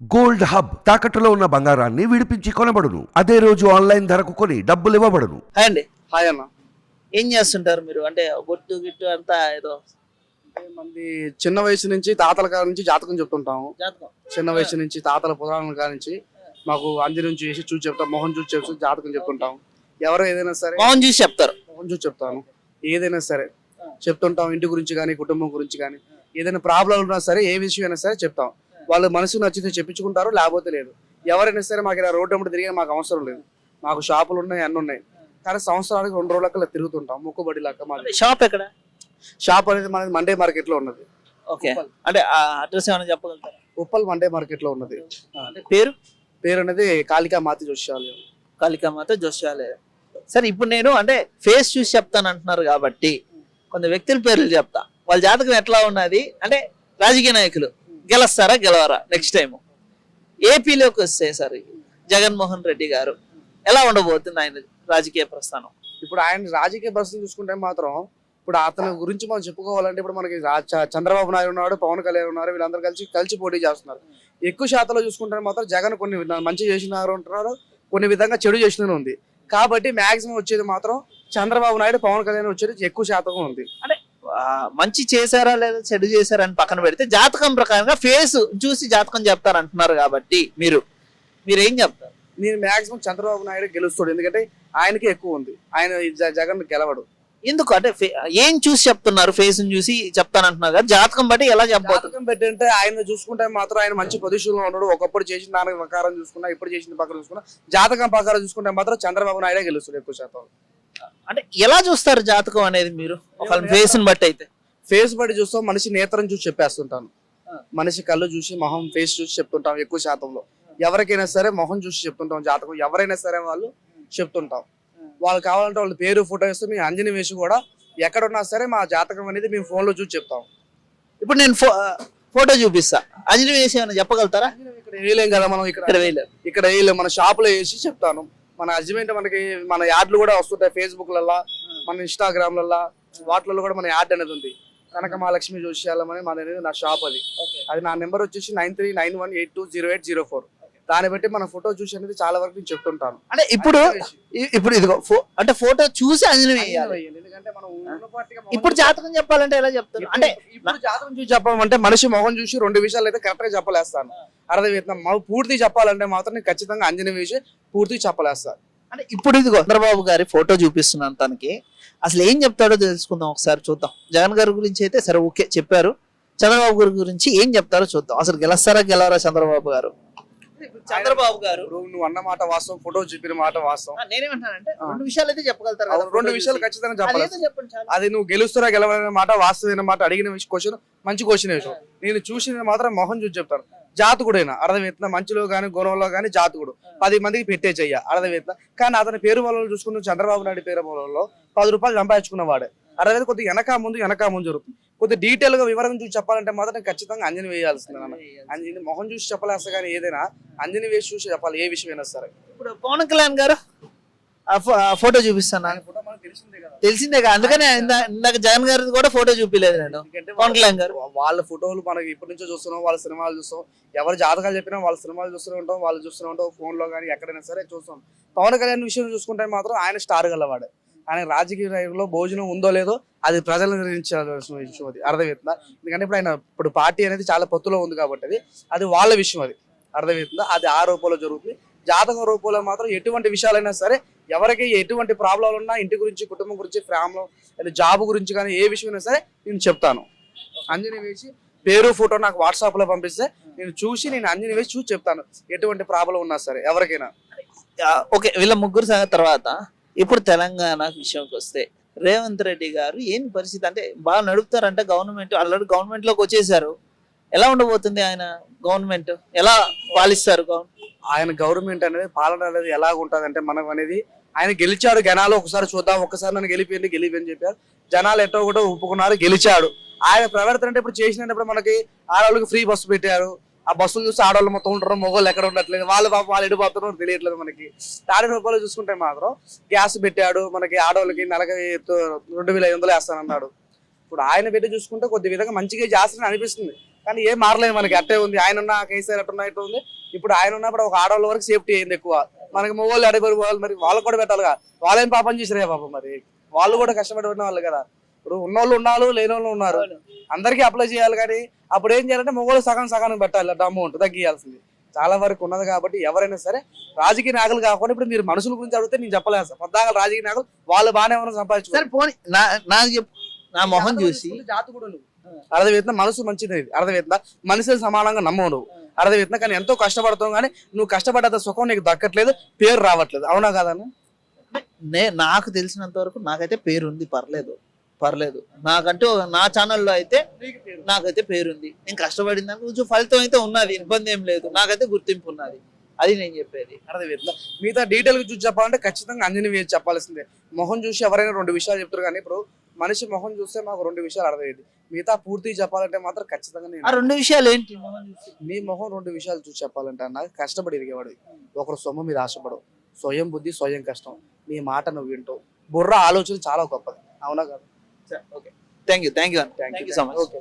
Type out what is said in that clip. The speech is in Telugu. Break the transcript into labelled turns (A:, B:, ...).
A: గోల్డ్ హబ్ తాకట్టులో ఉన్న బంగారాన్ని విడిపించి కొనబడును. అదే రోజు ఆన్లైన్ ధరకు కొని డబ్బులు ఇవ్వబడును.
B: హాయ్ అండి.
C: హాయ్ అన్న.
B: ఏం చేస్తుంటారు మీరు? అంటే బొట్టు గిట్టు అంతా ఏదో
C: అంటే మంది చిన్న వయసు నుంచి తాతల కాడ నుంచి జాతకం చెప్తుంటాము.
B: జాతకం.
C: చిన్న వయసు నుంచి తాతల పురాణాల కాడ నుంచి మాకు అంజి నుంచి చేసి చూసి చెప్తాం, మొహం చూసి చెప్తాం, జాతకం చెప్తుంటాం. ఎవరు ఏదైనా సరే
B: మౌన్ చూసి చెప్తారు.
C: మొహం చూసి చెప్తాను. ఏదైనా సరే చెప్తుంటాం, ఇంటి గురించి కానీ కుటుంబం గురించి కానీ ఏదైనా ప్రాబ్లం ఉన్నా సరే ఏ విషయం అయినా సరే చెప్తాం. వాళ్ళు మనసుకు నచ్చితే చెప్పించుకుంటారు, లేకపోతే లేదు. ఎవరైనా సరే మాకు ఇలా రోడ్డు అమ్మటి తిరిగి మాకు అవసరం లేదు. మాకు షాపులు ఉన్నాయి, అన్నీ ఉన్నాయి. కానీ సంవత్సరానికి 2 రోజులకి తిరుగుతుంటాం, మొక్కుబడి లాగా. మాది
B: షాప్ ఎక్కడ?
C: షాప్ అనేది మనది మండే మార్కెట్ లో ఉన్నది.
B: ఓకే. అంటే అడ్రస్ ఏమైనా చెప్పగలుగుతారా?
C: ఉప్పల్ మండే మార్కెట్ లో ఉన్నది.
B: అంటే పేరు
C: అనేది కాళికా మాతి జోష్యాలయం.
B: కాళికామాత జోష్యాలయం. సరే, ఇప్పుడు నేను అంటే ఫేస్ చూసి చెప్తాను అంటున్నారు కాబట్టి కొంత వ్యక్తుల పేర్లు చెప్తా. వాళ్ళ జాతకం ఎట్లా ఉన్నది అంటే రాజకీయ నాయకులు గెలుస్తారా గెలవరా నెక్స్ట్ టైం? ఏపీలోకి వస్తే సార్ జగన్మోహన్ రెడ్డి గారు ఎలా ఉండబోతుంది ఆయన రాజకీయ ప్రస్థానం?
C: ఇప్పుడు ఆయన రాజకీయ పరిస్థితి చూసుకుంటే మాత్రం ఇప్పుడు అతని గురించి మనం చెప్పుకోవాలంటే ఇప్పుడు మనకి చంద్రబాబు నాయుడు ఉన్నాడు, పవన్ కళ్యాణ్ ఉన్నారు. వీళ్ళందరూ కలిసి పోటీ చేస్తున్నారు. ఎక్కువ శాతంలో చూసుకుంటే మాత్రం జగన్ కొన్ని మంచి చేసినారు అంటున్నారు, కొన్ని విధంగా చెడు చేసిన ఉంది. కాబట్టి మాక్సిమం వచ్చేది మాత్రం చంద్రబాబు నాయుడు, పవన్ కళ్యాణ్ వచ్చేది ఎక్కువ శాతం ఉంది.
B: అంటే మంచి చేశారా లేదా చెడు చేశారా అని పక్కన పెడితే జాతకం ప్రకారంగా ఫేస్ చూసి జాతకం చెప్తారు అంటున్నారు కాబట్టి మీరేం చెప్తారు?
C: నేను మాక్సిమం చంద్రబాబు నాయుడు గెలుస్తాడు, ఎందుకంటే ఆయనకి ఎక్కువ ఉంది. ఆయన జగన్ గెలవడు.
B: ఎందుకు అంటే ఏం చూసి చెప్తున్నారు? ఫేస్ చూసి చెప్తానంటున్నారు కదా, జాతకం బట్టి ఎలా చెప్పబోతుంది?
C: జాతకం పెట్టి అంటే ఆయన చూసుకుంటే మాత్రం ఆయన మంచి పొజిషన్ లో ఉన్నాడు. ఒకప్పుడు చేసిన దాని ప్రకారం చూసుకున్నా, ఇప్పుడు చేసిన ప్రకారం చూసుకున్నా, జాతకం ప్రకారం చూసుకుంటే మాత్రం చంద్రబాబు నాయుడే గెలుస్తాడు ఎక్కువ శాతం.
B: అంటే ఎలా చూస్తారు జాతకం అనేది మీరు? ఒక ఫేస్ ని బట్టి అయితే
C: ఫేస్ బట్టి చూస్తాం, మనిషి నేత్రం చూసి చెప్పేస్తుంటాను. మనిషి కళ్ళు చూసి, మొహం ఫేస్ చూసి చెప్తుంటాం ఎక్కువ శాతంలో. ఎవరికైనా సరే మొహం చూసి చెప్తుంటాం జాతకం. ఎవరైనా సరే వాళ్ళు చెప్తుంటాం. వాళ్ళు కావాలంటే వాళ్ళ పేరు, ఫోటో ఇస్తే మేము అంజని వేసి కూడా ఎక్కడున్నా సరే మా జాతకం అనేది మేము ఫోన్ లో చూసి చెప్తాం.
B: ఇప్పుడు నేను ఫోటో చూపిస్తా, అంజని వేసి ఏమైనా చెప్పగలుగుతారా?
C: ఇక్కడ వేయలేం కదా మనం, ఇక్కడ వేయలేం. మన షాప్ లో వేసి చెప్తాను. మన హస్బెండ్ మనకి మన యాడ్లు కూడా వస్తుంటాయి ఫేస్బుక్లల్లా, మన ఇన్స్టాగ్రామ్లల్లా, వాటిలలో కూడా మన యాడ్ అనేది ఉంది. కనక మహాలక్ష్మి జోష్యాలయం అని మన అనేది నా షాప్. అది నా నెంబర్ వచ్చేసి 9391820804. దాన్ని బట్టి మన ఫోటో చూసి అనేది చాలా వరకు నేను చెప్తుంటాను.
B: అంటే ఇప్పుడు ఇదిగో అంటే ఫోటో చూసి అంజని వేయాలి.
C: ఎందుకంటే మనం
B: ఇప్పుడు జాతకం చెప్పాలంటే ఎలా చెప్తారు? అంటే
C: ఇప్పుడు జాతకం చూసి చెప్పాలంటే మనిషి మొహం చూసి 2 విషయాలు అయితే కరెక్ట్ గా చెప్పలేస్తాను. అర్థమవుతుందా? మనం పూర్తి చెప్పాలంటే మాత్రం నేను ఖచ్చితంగా అంజని వేసి పూర్తి చెప్పలేస్తాను.
B: అంటే ఇప్పుడు ఇదిగో చంద్రబాబు గారి ఫోటో చూపిస్తున్నాను తనకి. అసలు ఏం చెప్తాడో తెలుసుకుందాం, ఒకసారి చూద్దాం. జగన్ గారి గురించి అయితే సరే ఓకే చెప్పారు, చంద్రబాబు గారి గురించి ఏం చెప్తారో చూద్దాం. అసలు గెలుస్తారా గెలవరా చంద్రబాబు గారు? చంద్రబాబు గారు
C: నువ్వు అన్న మాట వాస్తవం, ఫోటో చూపిన మాట వాస్తవం.
B: నేనేమంటానంటే 2 విషయాలు అయితే చెప్పగలుగుతారు కదా.
C: 2 విషయాలు ఖచ్చితంగా చెప్పాలి.
B: చెప్పండి చాలు.
C: అది నువ్వు గెలుస్తారా గెలవనే మాట, వాస్తవమైన మాట, అడిగిన క్వశ్చన్ మంచి క్వశ్చన్ వేసావు. నేను చూసిన మాత్రం మొహం చూసి చెప్తాను. జాతకుడైనా అర్థమవుతుందా? మంచిలో కానీ గుణంలో కానీ జాతకుడు 10 మందికి పెట్టే చెయ్య, అర్థమవుతుందా? కానీ అతని పేరు వల్ల చూసుకున్న చంద్రబాబు నాయుడు పేరు వల్ల 10 రూపాయలు సంపాదించుకున్నవాడే. అర్థమైతే కొద్దిగా వెనక ముందు జరుగుతుంది. కొద్దిగా డీటెయిల్ గా వివరం చూసి చెప్పాలంటే మాత్రం ఖచ్చితంగా అంజని వేయాల్సింది. అంజని మొహం చూసి చెప్పలేస్తా, కానీ ఏదైనా అంజని వేసి చూసి చెప్పాలి, ఏ విషయం అయినా సరే.
B: ఇప్పుడు పవన్ కళ్యాణ్ గారు ఫోటో చూపిస్తాను, తెలిసిందే కదా. అందుకనే ఇందాక జగన్ గారి కూడా ఫోటో చూపిలేదు నేను. పవన్ కళ్యాణ్ గారు
C: వాళ్ళ ఫోటోలు మనకి ఇప్పటి నుంచో చూస్తున్నాం, వాళ్ళ సినిమాలు చూస్తాం. ఎవరు జాతకాలు చెప్పినా వాళ్ళ సినిమాలు చూస్తూనే ఉంటాం, వాళ్ళు చూస్తూనే ఉంటాం. ఫోన్ లో కానీ ఎక్కడైనా సరే చూస్తాం. పవన్ కళ్యాణ్ విషయం చూసుకుంటే మాత్రం ఆయన స్టార్ గలవాడు. ఆయన రాజకీయ రంగంలో భోజనం ఉందో లేదో అది ప్రజలను నిర్ణయించాల్సిన విషయం. అది అర్థమవుతుందా? ఎందుకంటే ఇప్పుడు పార్టీ అనేది చాలా పొత్తులో ఉంది కాబట్టి అది వాళ్ళ విషయం. అది అర్థమవుతుందా? అది ఆ రూపంలో జరుగుతుంది. జాతక రూపంలో మాత్రం ఎటువంటి విషయాలైనా సరే, ఎవరికి ఎటువంటి ప్రాబ్లాలు ఉన్నా, ఇంటి గురించి, కుటుంబం గురించి, ఫ్యామిలీ జాబ్ గురించి కానీ ఏ విషయమైనా సరే నేను చెప్తాను. అంజని వేసి పేరు, ఫోటో నాకు వాట్సాప్ లో పంపిస్తే నేను అంజని వేసి చూసి చెప్తాను, ఎటువంటి ప్రాబ్లం ఉన్నా సరే ఎవరికైనా.
B: ఓకే, వీళ్ళ ముగ్గురు సంగతి తర్వాత ఇప్పుడు తెలంగాణ విషయంకి వస్తే రేవంత్ రెడ్డి గారు ఏం పరిస్థితి? అంటే బాగా నడుపుతారంటే గవర్నమెంట్, ఆల్రెడీ గవర్నమెంట్ లోకి వచ్చేసారు. ఎలా ఉండబోతుంది ఆయన గవర్నమెంట్? ఎలా పాలిస్తారు
C: ఆయన గవర్నమెంట్ అనేది, పాలన అనేది ఎలా ఉంటుంది అంటే, మనం అనేది ఆయన గెలిచాడు జనాలు, ఒకసారి చూద్దాం, ఒక్కసారి నన్ను గెలిపని చెప్పారు. జనాలు ఎట్టో కూడా ఒప్పుకున్నారు, గెలిచాడు. ఆయన ప్రవర్తన అంటే ఇప్పుడు చేసినప్పుడు మనకి ఆడవాళ్ళకి ఫ్రీ బస్సు పెట్టారు. ఆ బస్సులు చూస్తే ఆడవాళ్ళు మొత్తం ఉంటారు, మొగోళ్ళు ఎక్కడ ఉండట్లేదు. వాళ్ళు ఎడిపోతున్నారో తెలియట్లేదు మనకి. తాడి రూపాయలు చూసుకుంటే మాత్రం గ్యాస్ పెట్టాడు మనకి, ఆడవాళ్ళకి నెలకి 2500 వేస్తానన్నాడు. ఇప్పుడు ఆయన పెట్టి చూసుకుంటే కొద్ది విధంగా మంచిగా చేస్తానని అనిపిస్తుంది. కానీ ఏం మారలేదు మనకి, అట్టే ఉంది. ఆయన ఉన్న కేసీఆర్ అట్టున్నా ఇట్లా ఉంది. ఇప్పుడు ఆయన ఉన్నప్పుడు ఒక ఆడవాళ్ళ వరకు సేఫ్టీ అయింది ఎక్కువ. మనకి మొగోళ్ళు అడిగిపోయి వాళ్ళు, మరి వాళ్ళకి కూడా పెట్టాలిగా. వాళ్ళేం పాపం చేసిరే పాపం, మరి వాళ్ళు కూడా కష్టపడి ఉన్న వాళ్ళు కదా. ఇప్పుడు ఉన్నోళ్ళు ఉన్నారు, లేని వాళ్ళు ఉన్నారు, అందరికీ అప్లై చేయాలి. కానీ అప్పుడు ఏం చేయాలంటే మొగోళ్ళు సగానికి పెట్టాలి అమౌంట్ తగ్గియాల్సింది. చాలా వరకు ఉన్నది కాబట్టి ఎవరైనా సరే రాజకీయ నాయకులు కాకుండా, ఇప్పుడు మీరు మనుషుల గురించి అడిగితే నేను చెప్పలేదు సార్. పొద్దాక రాజకీయ నాయకులు వాళ్ళు బాగానే ఉన్న
B: సరే
C: సంపాదించుకోవాలి.
B: పోనీ నాకు చెప్పు, నా మొహం చూసి
C: జాతి కూడా నువ్వు అర్థమవుతుందా? మనసు మంచిది, అర్థమవుతుందా? మనిషిని సమానంగా నమ్మవు నువ్వు, అర్థమవుతుందా? కానీ ఎంతో కష్టపడతావు, కానీ నువ్వు కష్టపడ్డ సుఖం నీకు దక్కట్లేదు, పేరు రావట్లేదు. అవునా కాదన్నా?
B: నాకు తెలిసినంత వరకు నాకైతే పేరు ఉంది, పర్లేదు. నాకంటూ నా ఛానల్లో అయితే నాకైతే పేరుంది. నేను కష్టపడిన దానికి కొంచెం ఫలితం అయితే ఉన్నది, ఇబ్బంది ఏం లేదు. నాకైతే గుర్తింపు ఉన్నది, అది నేను చెప్పేది.
C: అర్థమవుతుందా? మిగతా డీటెయిల్ గా చూసి చెప్పాలంటే ఖచ్చితంగా అంజనీ వేసి చెప్పాల్సిందే. మొహం చూసి ఎవరైనా 2 విషయాలు చెప్తారు, కానీ ఇప్పుడు మనిషి మొహం చూస్తే మాకు 2 విషయాలు అర్థమయ్యేది. మిగతా పూర్తిగా చెప్పాలంటే మాత్రం ఖచ్చితంగా
B: ఆ 2 విషయాలు ఏంటి?
C: నీ మొహం 2 విషయాలు చూసి చెప్పాలంటే అన్న, కష్టపడి ఎదిగేవాడు, ఒకరు సొమ్ము మీద ఆశపడవు, స్వయం బుద్ధి స్వయం కష్టం, నీ మాట నువ్వు వింటావు, బుర్ర ఆలోచన చాలా గొప్పది. అవునా కదా?
B: Okay, thank you so much.
C: Okay.